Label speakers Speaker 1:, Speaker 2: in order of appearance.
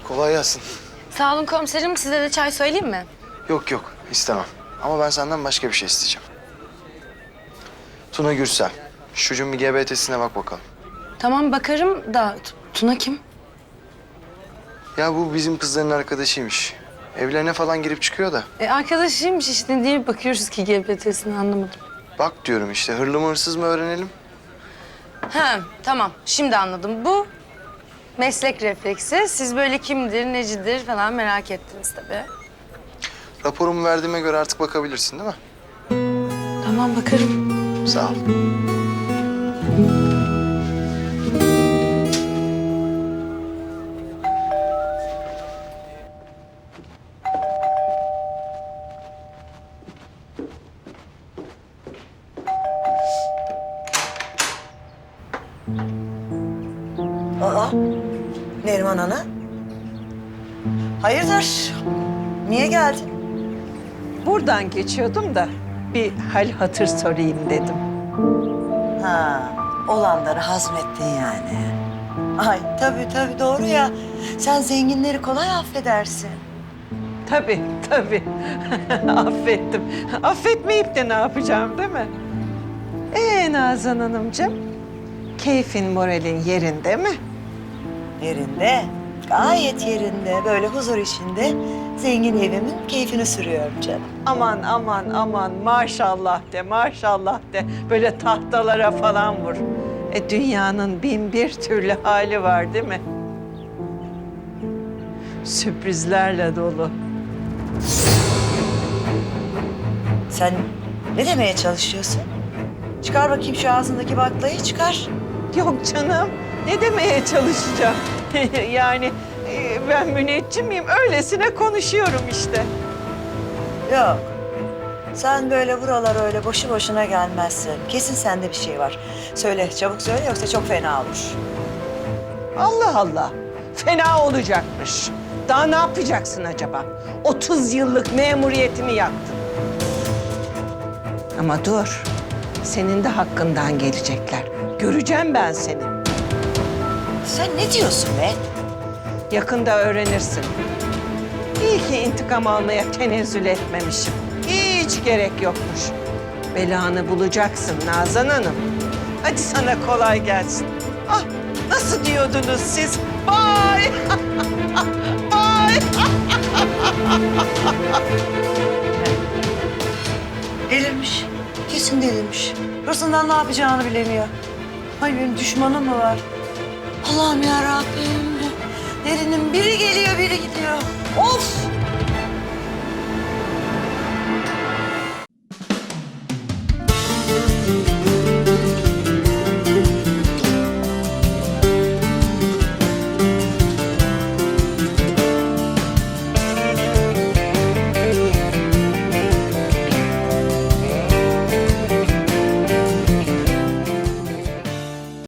Speaker 1: Kolay gelsin.
Speaker 2: Sağ olun komiserim. Size de çay söyleyeyim mi?
Speaker 1: Yok yok istemem. Ama ben senden başka bir şey isteyeceğim. Tuna Gürsel. Şu çocuğun bir GBT'sine bak bakalım.
Speaker 2: Tamam bakarım da Tuna kim?
Speaker 1: Ya bu bizim kızların arkadaşıymış. Evlerine falan girip çıkıyor da.
Speaker 2: Arkadaşıymış işte. Niye bakıyoruz ki GBT'sini anlamadım.
Speaker 1: Bak diyorum işte hırlı mı hırsız mı öğrenelim.
Speaker 2: Ha tamam. Şimdi anladım. Bu meslek refleksi. Siz böyle kimdir, necidir falan merak ettiniz tabii.
Speaker 1: Raporumu verdiğime göre artık bakabilirsin değil mi?
Speaker 2: Tamam bakarım.
Speaker 1: Sağ ol.
Speaker 3: Aa, Neriman Ana. Hayırdır? Niye geldin?
Speaker 4: Buradan geçiyordum da bir hal hatır sorayım dedim.
Speaker 3: Ha, olanları hazmettin yani. Ay tabii doğru ya. Sen zenginleri kolay affedersin.
Speaker 4: Tabii. Affettim. Affetmeyip de ne yapacağım değil mi? Nazan Hanımcığım, keyfin moralin yerinde mi?
Speaker 3: Yerinde, gayet yerinde. Böyle huzur içinde zengin evimin keyfini sürüyorum canım.
Speaker 4: Aman maşallah de. Böyle tahtalara falan vur. Dünyanın bin bir türlü hali var değil mi? Sürprizlerle dolu.
Speaker 3: Sen ne demeye çalışıyorsun? Çıkar bakayım şu ağzındaki baklayı çıkar.
Speaker 4: Yok canım, ne demeye çalışacağım? Yani ben müneccim miyim? Öylesine konuşuyorum işte.
Speaker 3: Yok. Sen böyle buralar öyle boşu boşuna gelmezsin. Kesin sende bir şey var. Söyle, çabuk söyle yoksa çok fena olur.
Speaker 4: Allah Allah, fena olacakmış. Daha ne yapacaksın acaba? 30 yıllık memuriyetimi yaktın. Ama dur, senin de hakkından gelecekler. Göreceğim ben seni.
Speaker 3: Sen ne diyorsun be?
Speaker 4: Yakında öğrenirsin. İyi ki intikam almaya tenezzül etmemişim. Hiç gerek yokmuş. Belanı bulacaksın Nazan Hanım. Hadi sana kolay gelsin. Ah, nasıl diyordunuz siz? Bye! Bye!
Speaker 3: Delirmiş. Kesin delirmiş. Hırsından ne yapacağını bilemiyor. Ay benim düşmanım mı var? Allah'ım ya Rabbim. Derinin biri geliyor, biri gidiyor. Of!